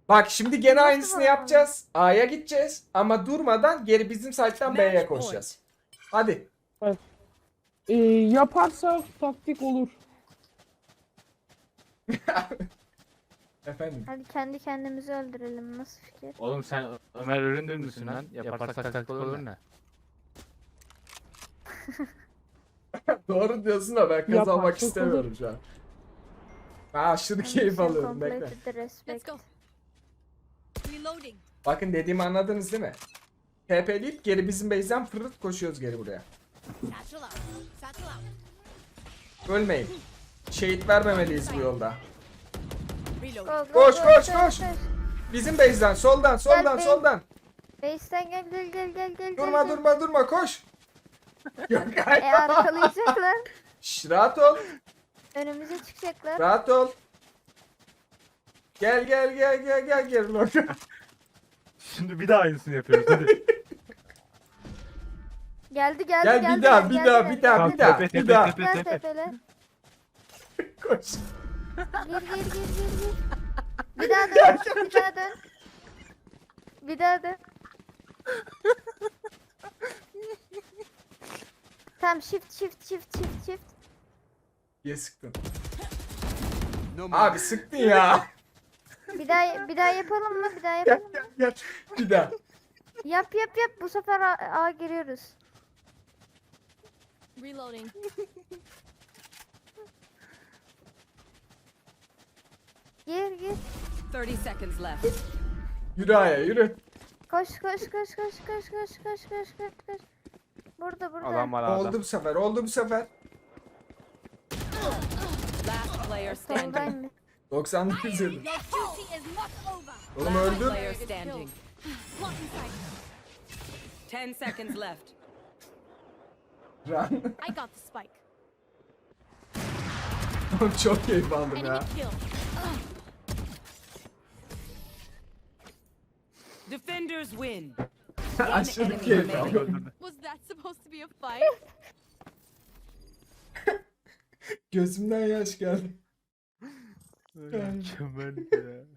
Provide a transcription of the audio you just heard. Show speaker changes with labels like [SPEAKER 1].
[SPEAKER 1] Bak şimdi gene
[SPEAKER 2] Nasıl
[SPEAKER 1] aynısını
[SPEAKER 2] bakalım?
[SPEAKER 1] yapacağız. A'ya gideceğiz ama durmadan geri bizim site'den B'ye koşacağız. Hadi.
[SPEAKER 3] Yaparsak taktik olur.
[SPEAKER 1] Efendim.
[SPEAKER 2] Hadi kendi kendimizi öldürelim. Nasıl fikir?
[SPEAKER 4] Oğlum sen Ömer Üründür müsün lan? Yaparsak taktik olur ne?
[SPEAKER 1] Doğru diyorsun da ben kazanmak
[SPEAKER 3] Yaparsak
[SPEAKER 1] istemiyorum
[SPEAKER 3] olur.
[SPEAKER 1] şu an. Ben aşırı keyif alıyorum. Bekle.
[SPEAKER 2] Completed the respect.
[SPEAKER 5] Let's go. Reloading.
[SPEAKER 1] Bakın dediğimi anladınız değil mi? TP'leyip geri bizim base'den fırırt koşuyoruz geri buraya.
[SPEAKER 5] Satchel out. Satchel out.
[SPEAKER 1] Ölmeyin. Şehit vermemeliyiz bu yolda.
[SPEAKER 5] Reloading.
[SPEAKER 2] Go, go,
[SPEAKER 1] Koş,
[SPEAKER 2] go,
[SPEAKER 1] koş,
[SPEAKER 2] go,
[SPEAKER 1] koş. Bizim base'den soldan
[SPEAKER 2] Gel,
[SPEAKER 1] soldan.
[SPEAKER 2] Base'den gel.
[SPEAKER 1] Durma
[SPEAKER 2] gel.
[SPEAKER 1] durma koş. Yok hayır.
[SPEAKER 2] Arkalayacaklar.
[SPEAKER 1] Şş, rahat ol.
[SPEAKER 2] Önümüze çıkacaklar.
[SPEAKER 1] Rahat ol. Gel geri Loka.
[SPEAKER 4] Şimdi bir daha aynısını yapıyoruz hadi.
[SPEAKER 2] Geldi.
[SPEAKER 1] Gel bir daha.
[SPEAKER 4] Tamam, tepe,
[SPEAKER 1] Bir daha.
[SPEAKER 2] Gel tepele.
[SPEAKER 1] Koş.
[SPEAKER 2] Gir. Bir daha dön. Bir daha dön. Tamam shift.
[SPEAKER 1] Niye sıktın? Abi sıktın ya.
[SPEAKER 2] Bir daha yapalım mı?
[SPEAKER 1] Gel. Bir daha.
[SPEAKER 2] Yap. Bu sefer A giriyoruz.
[SPEAKER 5] Reloading.
[SPEAKER 2] Gir.
[SPEAKER 5] 30 seconds left.
[SPEAKER 1] Yürü Aya yürü.
[SPEAKER 2] Koş. Burada.
[SPEAKER 4] Adam var ağda.
[SPEAKER 1] Oldu bu sefer.
[SPEAKER 5] Last player standing.
[SPEAKER 2] Soldaymış.
[SPEAKER 1] 99 yıldır.
[SPEAKER 5] Your duty is not over.
[SPEAKER 1] Oğlum
[SPEAKER 5] Last
[SPEAKER 1] öldür.
[SPEAKER 5] player standing. 10 seconds left.
[SPEAKER 1] Run.
[SPEAKER 5] I got the spike.
[SPEAKER 1] Oğlum çok keyif aldım
[SPEAKER 5] Enemy
[SPEAKER 1] ya.
[SPEAKER 5] kill. Defenders win.
[SPEAKER 1] Aşırı keyif aldım.
[SPEAKER 5] Was that supposed to be a fight?
[SPEAKER 1] Gözümden yaş geldi.
[SPEAKER 4] Mükemmel ya.